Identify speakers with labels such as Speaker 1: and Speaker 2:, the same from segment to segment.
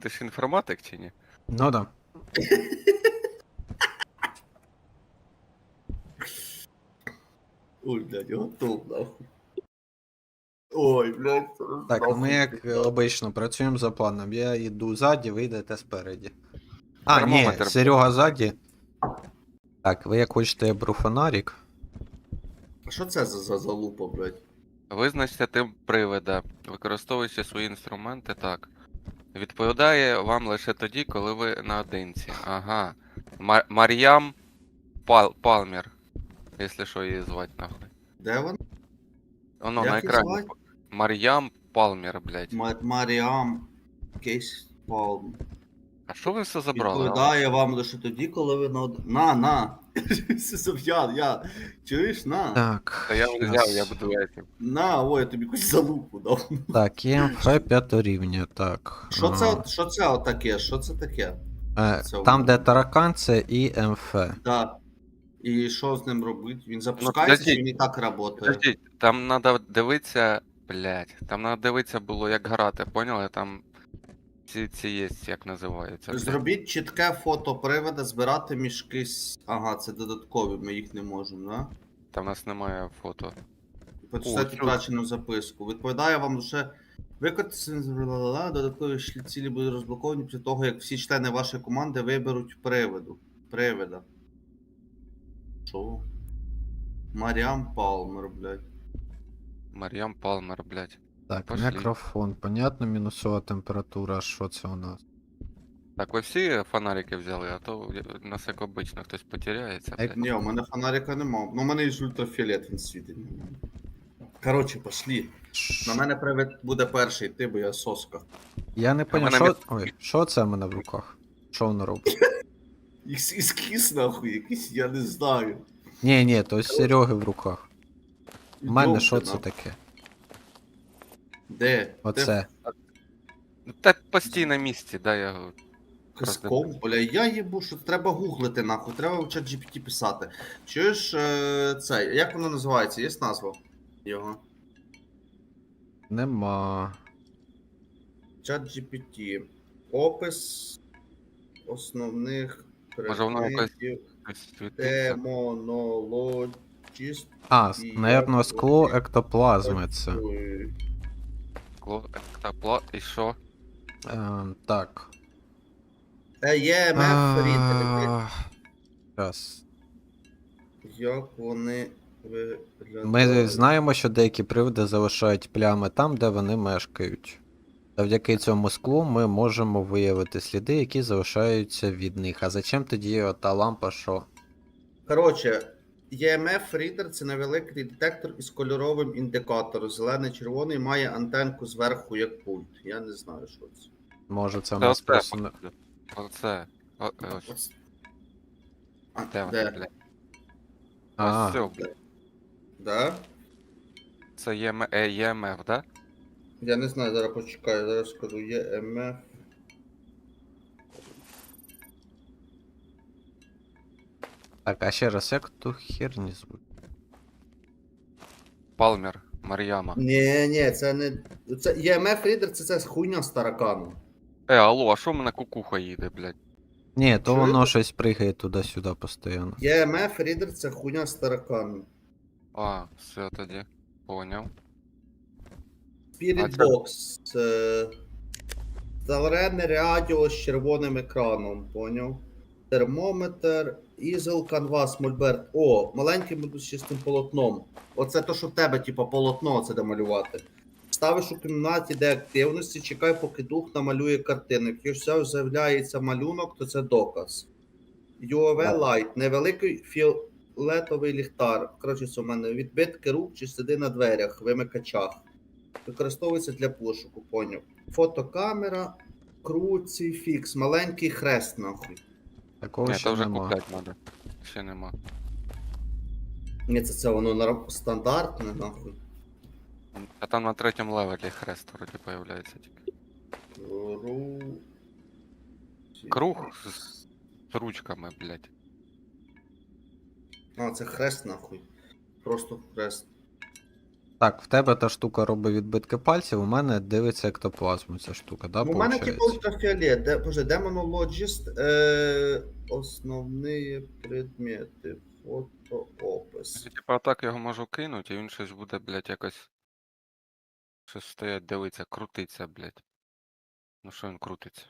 Speaker 1: ти ж інформатик чи ні?
Speaker 2: Ну да.
Speaker 3: Ой, блядь, готов, нахуй. Ой, блядь.
Speaker 2: Так, ми
Speaker 3: нахуй,
Speaker 2: як
Speaker 3: блядь.
Speaker 2: обично працюємо за планом. Я йду ззаді, ви йдете спереді. А, ні,
Speaker 1: Термометр.
Speaker 2: Серега ззаді. Так, ви як хочете, я беру фонарик.
Speaker 3: А що це за залупа, блядь?
Speaker 1: Визначте тип привида, використовуючи свої інструменти так. Відповідає вам лише тоді, коли ви наодинці. Ага. Мар'ям Палмер. Якщо що її звати нахуй.
Speaker 3: Де вона?
Speaker 1: Воно
Speaker 3: Як
Speaker 1: на
Speaker 3: її
Speaker 1: екрані.
Speaker 3: звати?
Speaker 1: Мар'ям Палмер, блядь.
Speaker 3: Маріам Кейс Палм.
Speaker 1: А що ви все забрали?
Speaker 3: Відповідає вам лише тоді, коли ви на. Я. Чуєш, на.
Speaker 2: Так.
Speaker 1: Та я вже
Speaker 2: щас.
Speaker 1: взяв, я буду этим.
Speaker 3: На, ой, я тобі якусь залупу дав.
Speaker 2: Так, ЄМФ 5 рівня, так.
Speaker 3: Що це отаке? Що це таке? це
Speaker 2: Там,
Speaker 3: у-
Speaker 2: де таракан, це ІМФ.
Speaker 3: Да. І що з ним робити? Він запускається, чи
Speaker 1: подождіть.
Speaker 3: він і так працює?
Speaker 1: Подождіть, там надо дивитися, блядь, там надо дивитися було, як грати, поняли? Там ці є, як називаються. блядь.
Speaker 3: Зробіть чітке фото привода, збирати мішки. Ага, це додаткові, ми їх не можемо, да?
Speaker 1: Там у нас немає фото.
Speaker 3: Почитайте
Speaker 1: чудо.
Speaker 3: втрачену записку. Відповідає вам лише виконати додаткові цілі будуть розблоковані після того, як всі члени вашої команди виберуть привида. Що? Маріам Палмер, блядь.
Speaker 1: Мар'ям Палмер, блядь.
Speaker 2: Так,
Speaker 1: Пошли.
Speaker 2: мікрофон, понятно, мінусова температура, що це у нас?
Speaker 1: Так, ви всі фонарики взяли, а то у нас як обично хтось потеряється. блядь.
Speaker 3: Ні, у мене фонарика нема. Ну, у мене є ультрафіолет, він світить. Коротше, пошли. На мене привид буде перший, ти, бо я соска.
Speaker 2: Я не поняв,
Speaker 1: мене
Speaker 2: що. Ой, що це в мене в руках? Що воно робить?
Speaker 3: Іскіс, нахуй, якийсь, я не знаю.
Speaker 2: Ні, то з Сереги в руках. У мене
Speaker 3: Йдемте,
Speaker 2: що це
Speaker 3: нахуй.
Speaker 2: таке?
Speaker 3: Де?
Speaker 2: Оце.
Speaker 1: Та постій на місці, да, я говорю.
Speaker 3: Киском, бля, я їбу, що треба гуглити, нахуй, треба в чат GPT писати. Чуєш, це, як воно називається, є назва його?
Speaker 2: Нема.
Speaker 3: Чат GPT. Опис основних
Speaker 1: Може, воно якось-
Speaker 3: предметів
Speaker 1: Світиться.
Speaker 3: демонологіст.
Speaker 2: Наверно, скло ектоплазми це.
Speaker 1: І що?
Speaker 2: Так.
Speaker 3: EMF рідери.
Speaker 2: Зараз.
Speaker 3: Як вони виглядають?
Speaker 2: Ми знаємо, що деякі приводи залишають плями там, де вони мешкають. Завдяки цьому склу ми можемо виявити сліди, які залишаються від них. А зачем тоді ота лампа, що?
Speaker 3: Коротше, EMF Reader це невеликий детектор із кольоровим індикатором. Зелений-червоний має антенку зверху як пульт. Я не знаю, що це.
Speaker 2: Може це у
Speaker 1: Це
Speaker 2: нас
Speaker 1: оце,
Speaker 2: просто не.
Speaker 1: Оце. Ось.
Speaker 3: Ось. А,
Speaker 1: Де воно,
Speaker 3: де?
Speaker 1: блядь?
Speaker 2: А,
Speaker 1: Ось все, блядь.
Speaker 3: Да?
Speaker 1: Це ЄМФ, да?
Speaker 3: Я не знаю, зараз почекаю, зараз скажу EMF.
Speaker 2: так, а ще раз, як ту херні звуть?
Speaker 1: Палмер, Мар'яма.
Speaker 3: Ні, це не. Це EMF Reader це хуйня з тараканом.
Speaker 1: Алло, а що в мене кукуха їде, блядь?
Speaker 2: Ні, то
Speaker 3: Чуєте?
Speaker 2: воно щось пригає туди-сюди постійно.
Speaker 3: EMF Reader це хуйня з тараканом.
Speaker 1: А, все тоді. Поняв.
Speaker 3: Spirit
Speaker 1: А це-
Speaker 3: Box. Це зелене радіо з червоним екраном, поняв? Термометр, ізел, канвас, мольберт. О, маленький модуль з чистим полотном. Оце то, що в тебе, типа, полотно, це де малювати. Ставиш у кімнаті, де активності, чекай, поки дух намалює картину. Якщо з'являється малюнок, то це доказ. UV Light, невеликий фіолетовий ліхтар. Коротше, це у мене відбитки рук чи сліди на дверях, вимикачах. Використовується для пошуку, поняв. Фотокамера, круцифікс, маленький хрест, нахуй.
Speaker 2: Такого
Speaker 1: Ні,
Speaker 2: ще
Speaker 1: то вже
Speaker 2: нема.
Speaker 1: купляти треба. Ще нема.
Speaker 3: Ні, це воно стандартне, нахуй.
Speaker 1: А там на третьому левелі хрест вроді появляється тільки. Круг з ручками, блядь.
Speaker 3: А, це хрест, нахуй. Просто хрест.
Speaker 2: Так, в тебе та штука робить відбитки пальців, у мене дивиться ектоплазму ця штука, да,
Speaker 3: Ну, у мене типу
Speaker 2: получається?
Speaker 3: ультрафіолет, демонологіст, основні предмети, фотоопис.
Speaker 1: Типа так його можу кинути, і він щось буде, блядь, якось. Щось стоять, дивиться, крутиться, блядь. Ну що він крутиться?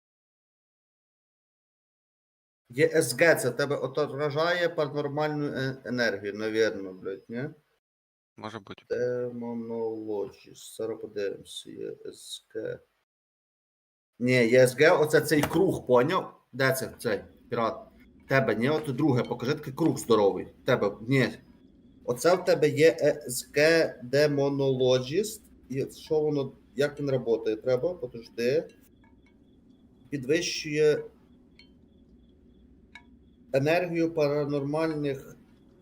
Speaker 3: ЄСГ, це тебе отражає паранормальну енергію, навірно, блядь, ні?
Speaker 1: Може бути.
Speaker 3: Демонологіст, зараз подивимося, ЄСГ. Ні, ЄСГ, оце цей круг, поняв? Де це цей пірат? Тебе, ні, от друге, покажи такий круг здоровий. Тебе, ні. Оце в тебе є ЕСГ Demonologist. І що воно, як він працює? Треба, подожди. Підвищує енергію паранормальних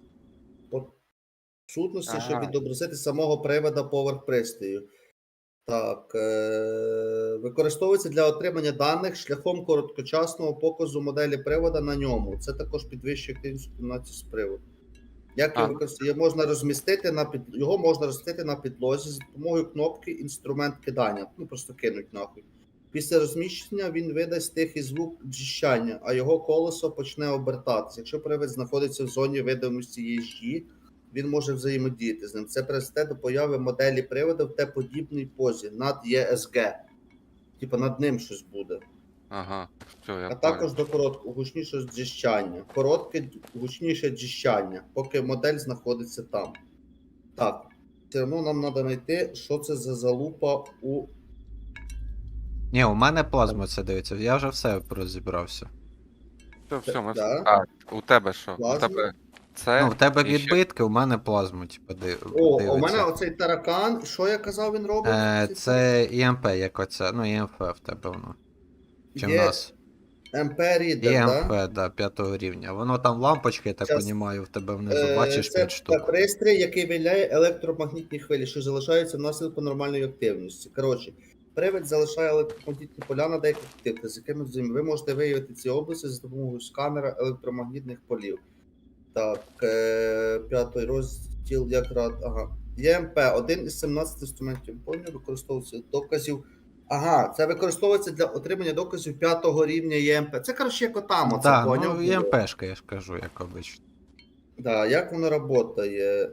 Speaker 3: сутностей, щоб
Speaker 1: Ага.
Speaker 3: відобразити самого привода поверх пристрою. Так, використовується для отримання даних шляхом короткочасного показу моделі привода на ньому. Це також підвищує активність комбінації з приводу. Як його
Speaker 1: Ага.
Speaker 3: використовувати? Його можна розмістити на підлозі за допомогою кнопки інструмент кидання. Ну, просто кинуть нахуй. Після розміщення він видасть тихий звук дзищання, а його колесо почне обертатися. Якщо привид знаходиться в зоні видимості їжі, він може взаємодіяти з ним. Це призведе до появи моделі приводу в Т-подібній позі над ЄСГ. Типа над ним щось буде.
Speaker 1: Ага. Все, я
Speaker 3: А
Speaker 1: понял.
Speaker 3: також до короткого гучнішого дзищання. Коротке гучніше дзищання, поки модель знаходиться там. Так. Все одно нам треба знайти, що це за залупа у.
Speaker 2: Ні, у мене плазма це дивиться, я вже все розібрався.
Speaker 1: Все, ми все.
Speaker 3: Да.
Speaker 1: А, у тебе що? У
Speaker 3: Плазма?
Speaker 1: тебе це.
Speaker 2: Ну, в тебе
Speaker 1: і ще-
Speaker 2: відбитки, у мене плазму, типу,
Speaker 3: О,
Speaker 2: дивиться.
Speaker 3: у мене оцей таракан. Що я казав, він робить?
Speaker 2: Це ІМП, як оце, ну ІМФ в тебе воно. Чи в
Speaker 3: Є
Speaker 2: нас?
Speaker 3: МП Reader,
Speaker 2: ІМФ,
Speaker 3: да?
Speaker 2: да, 5 рівня. Воно там лампочки, я так
Speaker 3: Щас.
Speaker 2: розумію, в тебе внизу, бачиш
Speaker 3: Це
Speaker 2: 5 штук.
Speaker 3: пристрій, який виявляє електромагнітні хвилі, що залишаються внаслідок нормальної активності. Коротше, привид залишає електромагнітні поля на деяких об'єктах, з якими ви можете виявити ці області за допомогою сканера електромагнітних полів. Так, п'ятий розділ якраз. Ага. ЄМП, один із 17 інструментів поняв, використовується доказів. Ага, це використовується для отримання доказів 5-го рівня ЄМП. Це, коротше, як отам, оце
Speaker 2: Так,
Speaker 3: поняв.
Speaker 2: ну
Speaker 3: було?
Speaker 2: ІМПшка, я ж кажу, як обично.
Speaker 3: Да, як воно працює?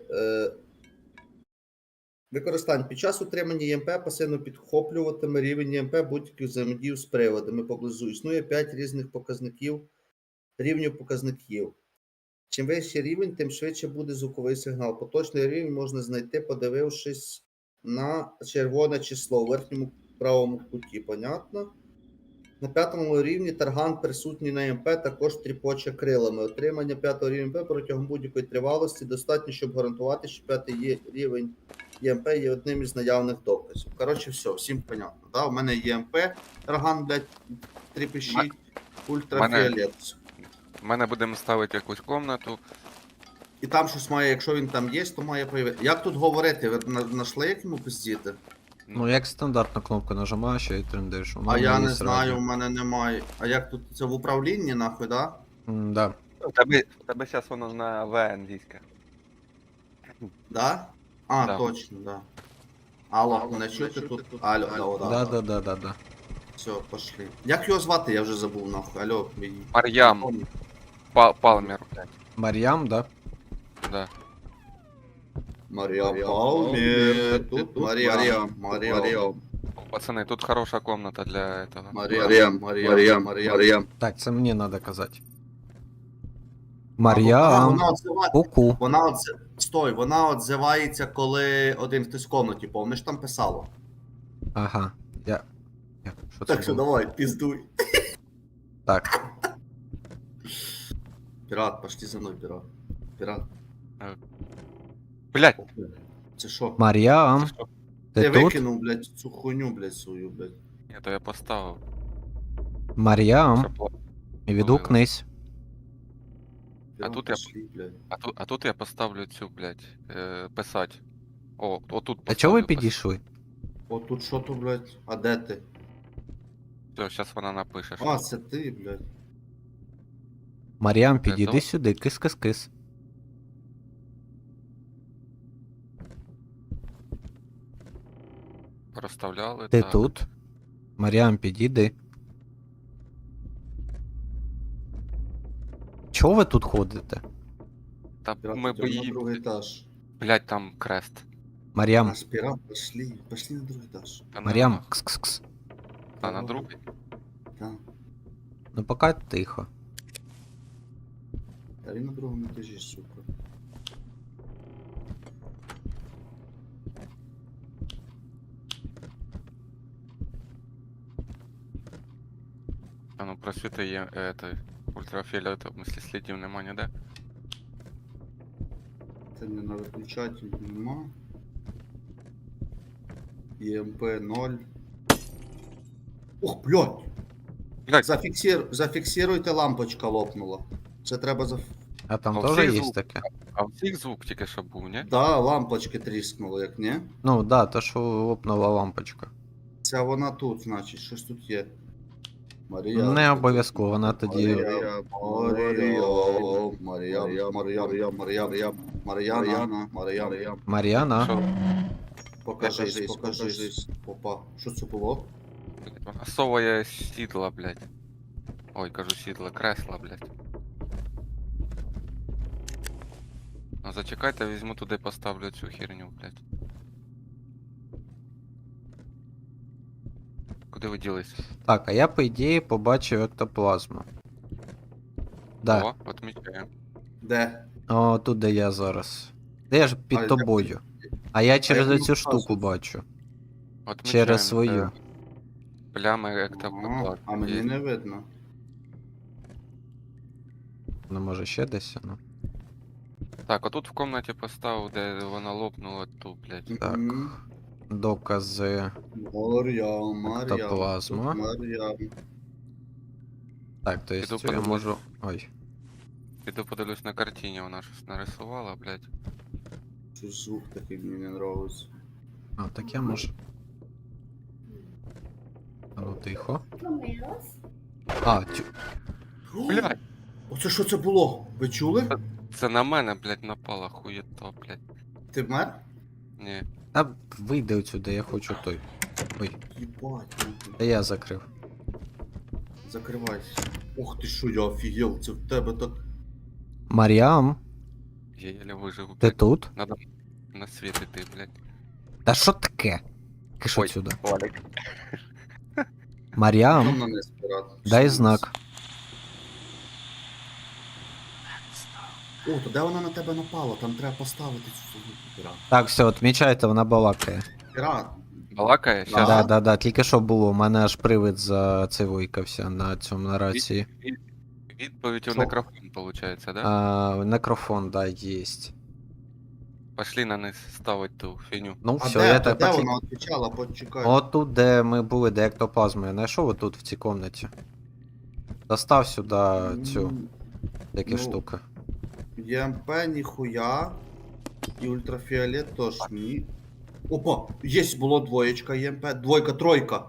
Speaker 3: Використання. Під час утримання ЄМП пасивно підхоплюватиме рівень ЄМП будь-яких взаємодій з приводами поблизу. Існує 5 різних рівнів показників. Чим вищий рівень, тим швидше буде звуковий сигнал. Поточний рівень можна знайти, подивившись на червоне число у верхньому правому куті. Понятно? На 5-му рівні тарган, присутній на ЄМП, також тріпоче крилами. Отримання 5-го рівня ЄМП протягом будь-якої тривалості достатньо, щоб гарантувати, що 5-й рівень ЄМП є одним із наявних доказів. Коротше, все, всім понятно. Да? У мене ЄМП, тарган, блядь, тріпещить, ультрафіолет.
Speaker 1: У мене будемо ставити якусь комнату.
Speaker 3: І там щось має, якщо він там є, то має появитися. Як тут говорити? Ви знайшли, як йому пиздіти?
Speaker 2: Ну, як стандартну кнопку нажимаєш і трендиш.
Speaker 3: А я не знаю, у мене немає. А як тут це в управлінні, нахуй, да?
Speaker 2: Да.
Speaker 1: У тебе зараз воно на В англійське.
Speaker 3: Да? А,
Speaker 1: Да.
Speaker 3: точно, да. Алло, мене чути тут? Алло,
Speaker 2: Да.
Speaker 3: Все, пошли. Як його звати, я вже забув, нахуй. Алло, мій.
Speaker 1: Мар'ям Палмер, блядь.
Speaker 2: Мар'ям, да?
Speaker 1: Да.
Speaker 3: Марія Палмір. Тут Марія.
Speaker 1: О, пацани, тут хороша комната для этого.
Speaker 3: Марія.
Speaker 2: Так, це мені треба казати.
Speaker 3: А,
Speaker 2: Мар'ям,
Speaker 3: вона отзивається.
Speaker 2: ку-ку.
Speaker 3: Стой, вона отзивається, коли один хтось в комнаті, помниш, там писало.
Speaker 2: Ага. Що
Speaker 3: Так
Speaker 2: це
Speaker 3: що
Speaker 2: було?
Speaker 3: давай, піздуй.
Speaker 2: Так.
Speaker 3: Пірат, пошли за мною, пірат.
Speaker 1: Блядь,
Speaker 3: Це що?
Speaker 2: Мар'ям,
Speaker 1: це що?
Speaker 2: ти
Speaker 3: Ти
Speaker 2: тут?
Speaker 3: викинув, блядь, цю хуйню, блядь, свою, блядь.
Speaker 1: Ні, то я поставив.
Speaker 2: Мар'ям,
Speaker 1: Щоб...
Speaker 2: відгукнись.
Speaker 3: Пірат,
Speaker 1: тут я-
Speaker 3: пошли, блядь.
Speaker 1: А тут я поставлю цю, блядь, писать. О, отут
Speaker 2: А чого ви
Speaker 1: поставлю
Speaker 2: підійшли?
Speaker 3: О, тут що то, блядь? А де ти?
Speaker 1: Все, зараз вона напише.
Speaker 3: А, це ти, блядь.
Speaker 2: Мар'ям,
Speaker 1: Це
Speaker 2: підійди
Speaker 1: то?
Speaker 2: сюди, кис-кис-кис.
Speaker 1: Проставляли,
Speaker 2: Ти
Speaker 1: так.
Speaker 2: тут? Маріам, підійди. Чого ви тут ходите?
Speaker 1: Та
Speaker 3: Пірат,
Speaker 1: ми
Speaker 3: йдемо на
Speaker 1: боїмо.
Speaker 3: другий етаж.
Speaker 1: Блять, там крест.
Speaker 2: Маріам,
Speaker 3: Наш пірат, пошли на другий етаж.
Speaker 1: Та не
Speaker 2: Маріам,
Speaker 1: нах.
Speaker 2: кс-кс-кс.
Speaker 1: А на другий?
Speaker 3: Так.
Speaker 2: Ну поки тихо.
Speaker 3: Та він на другому етажі, сука.
Speaker 1: А ну просвіти є, ультрафіолетового, в смысле слідів нема ніде.
Speaker 3: Це не на виключатель нема. ЄМП 0. Ух, блядь!
Speaker 1: Блять,
Speaker 3: Зафіксируйте, лампочка лопнула. Це треба
Speaker 2: А там
Speaker 1: А
Speaker 2: теж
Speaker 1: всіх
Speaker 2: є
Speaker 1: звук?
Speaker 2: таке?
Speaker 1: а у всіх звук тільки що був, ні?
Speaker 3: Да, лампочки тріснули, як не?
Speaker 2: Ну да, то що лопнула лампочка.
Speaker 3: Це вона тут, значить, щось тут є. Марія.
Speaker 2: Не обов'язково, вона тоді.
Speaker 3: Мар'яна.
Speaker 2: Мар'яна.
Speaker 1: Що?
Speaker 3: Покажись. Опа, що це було?
Speaker 1: Блядь, вона соває сідла, блять. Ой, кажу сідла, кресла, блять. Ну зачекайте, візьму туди, поставлю цю херню, блять. Куди ви ділись?
Speaker 2: Так, а я по ідеї побачив ектоплазму. Да.
Speaker 1: О, отмічаємо.
Speaker 3: Де?
Speaker 2: О, тут де я зараз. Де я ж
Speaker 3: А,
Speaker 2: під
Speaker 3: я-
Speaker 2: тобою. А я через
Speaker 3: як
Speaker 2: оцю
Speaker 3: воно
Speaker 2: штуку
Speaker 3: вказується?
Speaker 2: бачу.
Speaker 1: Отмічаємо,
Speaker 2: Через свою.
Speaker 1: Плями
Speaker 3: Ага,
Speaker 1: ектоплазми.
Speaker 3: а мені не видно.
Speaker 2: Ну може ще десь, ну.
Speaker 1: Так, отут в комнаті поставив, де вона лопнула ту, блять.
Speaker 2: Так.
Speaker 3: Мгм.
Speaker 2: Докази.
Speaker 3: Мар'ям.
Speaker 2: Ектоплазма.
Speaker 3: Тут Мар'ям.
Speaker 2: Так, то есть
Speaker 1: Піду
Speaker 2: я
Speaker 1: подивлюсь.
Speaker 2: можу. Ой.
Speaker 1: Піду подивлюсь на картині, вона щось нарисувала, блять.
Speaker 3: Це звук такий мені не нравиться.
Speaker 2: А, так я можу. А ну тихо. А,
Speaker 1: Блять,
Speaker 3: Оце що це було? Ви чули?
Speaker 1: це на мене, блять, напала хуєто, блять.
Speaker 3: Ти вмер?
Speaker 1: Ні.
Speaker 2: та вийди отсюди, я хочу той. Ой,
Speaker 3: Єбать,
Speaker 2: та я закрив.
Speaker 3: закривайся. Ох ти що, я офігел, це в тебе так.
Speaker 2: Маріам,
Speaker 1: Я єлі вижив,
Speaker 2: ти
Speaker 1: блять.
Speaker 2: тут?
Speaker 1: Надо на світ іти, блять.
Speaker 2: Та що таке? Киш
Speaker 1: Ой.
Speaker 2: отсюда.
Speaker 1: Валік.
Speaker 2: Маріам,
Speaker 3: Там на не спират.
Speaker 2: дай знак.
Speaker 3: О, то де вона на тебе напала? Там треба поставити цю пірат.
Speaker 2: Так, все, відмічайте, вона балакає.
Speaker 3: Пірат.
Speaker 1: Балакає?
Speaker 3: Да.
Speaker 1: Щас.
Speaker 2: Да, тільки що було, у мене аж привид зацивуйкався на цьому на рації.
Speaker 1: Відповідь у
Speaker 3: Що?
Speaker 1: мікрофон, виходить, да?
Speaker 2: Некрофон, да, єсть.
Speaker 1: Пошли на низ ставить ту фіню.
Speaker 2: Ну
Speaker 3: А
Speaker 2: все,
Speaker 3: де,
Speaker 2: я
Speaker 3: то
Speaker 2: так
Speaker 3: де
Speaker 2: почекаю.
Speaker 3: вона відповідала? Почекай.
Speaker 2: Отут, де ми були, де ектоплазму, я знайшов отут в цій комнаті. Достав сюди цю такі
Speaker 3: Ну,
Speaker 2: штуки.
Speaker 3: ЄМП ніхуя. І ультрафіолет теж ні. Опа! Єсть, було двоєчка ЄМП. Двойка, тройка.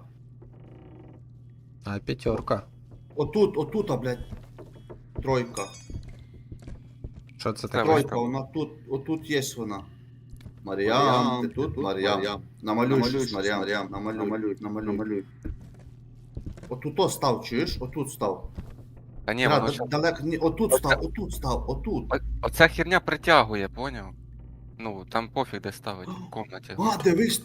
Speaker 2: А п'ятерка.
Speaker 3: Отут, блядь. Тройка.
Speaker 2: Що це
Speaker 1: Це
Speaker 2: таке?
Speaker 1: ви-
Speaker 3: Тройка, вона тут, отут є вона. Мар'ям, ти тут? Мар'ям. Намалюй щось, Мар'ям. Намалюй. Отут о став, чуєш? Отут став.
Speaker 1: Та ні,
Speaker 3: Пірат,
Speaker 1: воно щас...
Speaker 3: далеко, ні, отут став.
Speaker 1: Оця херня притягує, поняв? Ну, там пофіг де ставить в комнаті.
Speaker 3: А, дивись!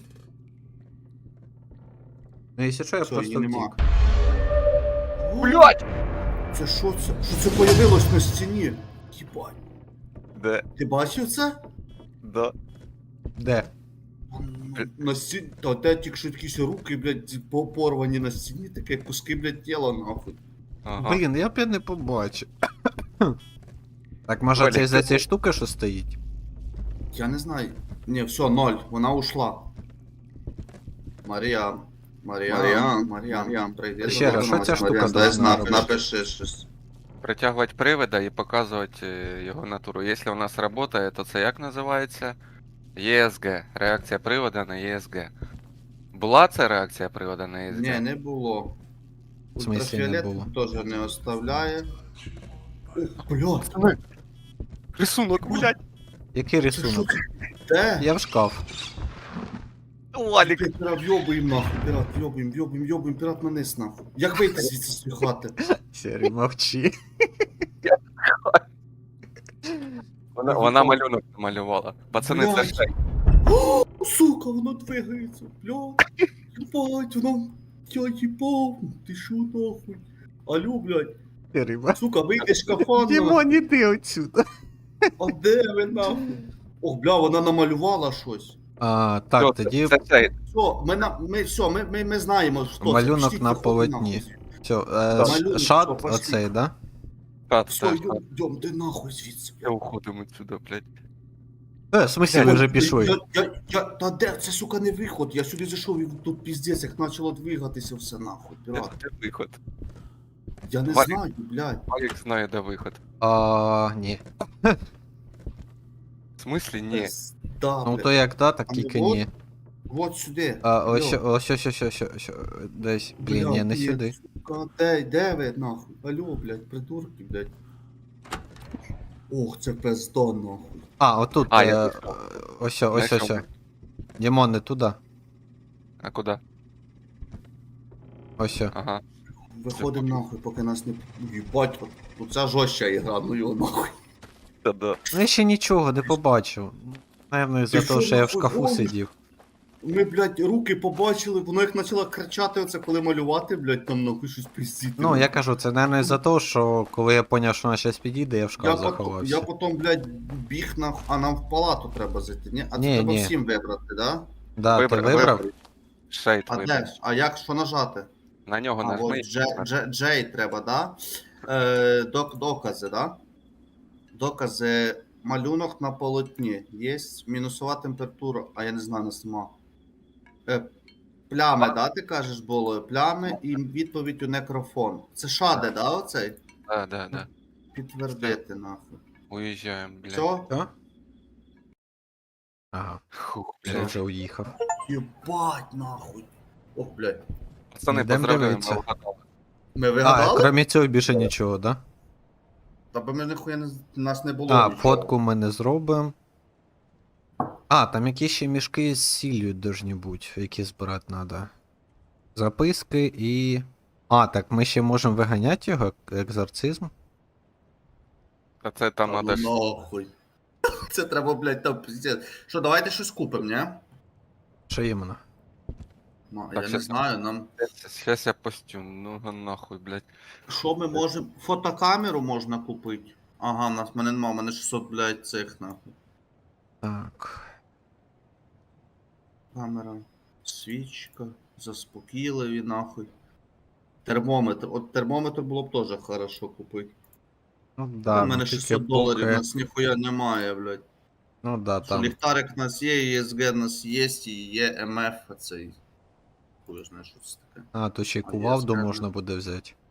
Speaker 2: Ну, якщо що, я
Speaker 3: Все,
Speaker 2: просто
Speaker 3: її нема.
Speaker 2: втік.
Speaker 1: Блять!
Speaker 3: Це що це? Що це появилось на стіні? Єбать.
Speaker 1: Де?
Speaker 3: Ти бачив це?
Speaker 1: Да.
Speaker 2: Де?
Speaker 3: На стіні, та де тільки що якісь руки, блядь, порвані на стіні, таке куски, блядь, тіла, нахуй.
Speaker 1: Ага.
Speaker 2: Блін, я б не побачив. Так може
Speaker 1: Валік,
Speaker 2: це із-за
Speaker 1: ти-
Speaker 2: цієї штуки, що стоїть?
Speaker 3: Я не знаю. Ні, все, 0, вона ушла. Мар'ям, прийди.
Speaker 2: Ще раз, що ця штука
Speaker 3: дай знак,
Speaker 2: робить?
Speaker 3: напиши щось.
Speaker 1: Притягувати привида і показувати його натуру. Якщо у нас працює, то це як називається? ESG. Реакція привода на ESG. Була це реакція привода на ESG?
Speaker 3: Ні, не було.
Speaker 2: В смислі не
Speaker 3: Ультрафіолет
Speaker 2: було?
Speaker 3: теж не оставляє. Ух, блядь,
Speaker 1: Рисунок, блядь!
Speaker 2: Який
Speaker 3: це що
Speaker 2: рисунок?
Speaker 3: це? Де?
Speaker 2: Я в шкаф.
Speaker 1: Валік!
Speaker 3: Пірат, йобуєм нахуй, пірат, йобуєм, пірат на низ нахуй. Як вийти звідси з цієї хати?
Speaker 2: Сірий, мовчи.
Speaker 1: Вона малюнок намалювала. Пацани, це
Speaker 3: Блядь.
Speaker 1: ще.
Speaker 3: О, сука, воно двигається, блядь. Ебать, воно... Я їбав, ти шо нахуй? Алло, блядь.
Speaker 2: Сірий, мовчи.
Speaker 3: Сука, вийди з шкафа,
Speaker 2: Дімон, іди отсюда.
Speaker 3: а де ви нахуй? Ох, бля, вона намалювала щось.
Speaker 2: Так,
Speaker 1: Що це?
Speaker 2: тоді
Speaker 1: Це цей.
Speaker 3: Ми знаємо, що
Speaker 2: малюнок
Speaker 3: Пішіть,
Speaker 2: на
Speaker 3: виходьте
Speaker 2: полотні.
Speaker 3: нахуй.
Speaker 2: Все,
Speaker 3: Малюнок,
Speaker 2: шат
Speaker 3: що, пошли.
Speaker 2: оцей, да?
Speaker 1: Так,
Speaker 3: Все,
Speaker 1: так, так.
Speaker 3: йдем, де нахуй звідси.
Speaker 1: Я уходимо відсюди, блядь.
Speaker 2: В смысле, ви вже пішли?
Speaker 3: Та де, це, сука, не виход. Я сюди зайшов і тут піздець, як почало двигатися все нахуй, пірат.
Speaker 1: Де виход?
Speaker 3: Я не
Speaker 1: Валік.
Speaker 3: знаю, блядь.
Speaker 1: Валік знає, де виход.
Speaker 2: Ні.
Speaker 1: В смислі, ні.
Speaker 3: Да,
Speaker 2: Ну
Speaker 3: блядь.
Speaker 2: то як да, так
Speaker 3: А
Speaker 2: тільки
Speaker 3: ну,
Speaker 2: ні.
Speaker 3: Вот сюди.
Speaker 2: Ось,
Speaker 3: Алло.
Speaker 2: ось, десь, блін, ні, не
Speaker 3: Бля,
Speaker 2: сюди.
Speaker 3: Сука, де ви нахуй? Алло, блядь, придурки, блядь. Ох, це пизда, нахуй.
Speaker 2: Отут,
Speaker 1: Я
Speaker 2: ось,
Speaker 1: Знайшов.
Speaker 2: Дімон, не туди.
Speaker 1: А куди?
Speaker 2: Ось.
Speaker 1: Ага.
Speaker 3: Виходимо нахуй, поки нас не... Їбать, от ця жорстча ігра, ну його нахуй.
Speaker 1: Та-да.
Speaker 2: Ну я ще нічого не побачив. Наверно, із-за
Speaker 3: Ти
Speaker 2: того,
Speaker 3: що,
Speaker 2: що я в
Speaker 3: нахуй,
Speaker 2: шкафу
Speaker 3: гониш?
Speaker 2: сидів.
Speaker 3: Ми, блядь, руки побачили, воно як почало кричати оце, коли малювати, блядь, там нахуй щось пиздіти.
Speaker 2: Ну, я кажу, це, наверно, із-за того, що коли я поняв, що вона щас підійде, я в шкаф
Speaker 3: я
Speaker 2: заховався.
Speaker 3: потім, блядь, біг на... А нам в палату треба зайти, ні? А це
Speaker 2: Ні,
Speaker 3: треба
Speaker 2: ні.
Speaker 3: всім вибрати, да?
Speaker 2: Да, ти вибрав?
Speaker 1: Шейд
Speaker 3: А
Speaker 1: вибрав.
Speaker 3: де ж? А як що нажати?
Speaker 1: На нього
Speaker 3: А,
Speaker 1: нажми.
Speaker 3: от Джей треба, да? Докази, да? Докази. Малюнок на полотні. Є мінусова температура, а я не знаю, нас нема. Плями, да, ти кажеш, було? Плями і відповідь у некрофон. Це шаде, да, оцей?
Speaker 1: Да.
Speaker 3: Підтвердити, нахуй.
Speaker 1: Уїжджаємо, блядь.
Speaker 3: Все?
Speaker 2: Що? Ага,
Speaker 1: Хух,
Speaker 2: я
Speaker 1: блядь.
Speaker 2: вже уїхав.
Speaker 3: Єбать, нахуй. Ох, блядь.
Speaker 1: Пацани,
Speaker 2: Йдем
Speaker 1: поздравляємо,
Speaker 2: дивитися.
Speaker 1: ми вгадали.
Speaker 3: Ми вигадали?
Speaker 2: Крім цього більше нічого, да?
Speaker 3: Та бо ми ніхуя не... нас не було нічого.
Speaker 2: Фотку ми не зробимо. Там якісь ще мішки з сіллю должні бути, які збирати треба. Записки і. Так ми ще можемо виганяти його, екзорцизм.
Speaker 1: Та це там
Speaker 3: Та
Speaker 1: надо ж.
Speaker 3: ну нахуй. Це треба, блядь, там пиздец. Що, давайте щось купимо, ні?
Speaker 2: Що іменно?
Speaker 3: Ну,
Speaker 1: Так,
Speaker 3: я не
Speaker 1: щас-
Speaker 3: знаю, нам...
Speaker 1: Щас я постюм, ну нахуй, блядь.
Speaker 3: Що ми можемо... Фотокамеру можна купити. Ага, в мене нема, в мене 600, блядь, цих, нахуй.
Speaker 2: Так.
Speaker 3: Камера, свічка, заспокійливі, нахуй. Термометр. От термометр було б теж хорошо купити.
Speaker 2: Ну да,
Speaker 3: У мене
Speaker 2: ну, тільки
Speaker 3: 600 доларів, у
Speaker 2: поки-
Speaker 3: нас ніхуя немає, блядь.
Speaker 2: Ну да,
Speaker 3: Що
Speaker 2: там.
Speaker 3: ліхтарик у нас є, ESG у нас є, і є МФ, цей. Хуй знає, що це таке.
Speaker 2: Тут ще й
Speaker 3: А,
Speaker 2: кувалду
Speaker 3: ясно.
Speaker 2: можна буде взяти.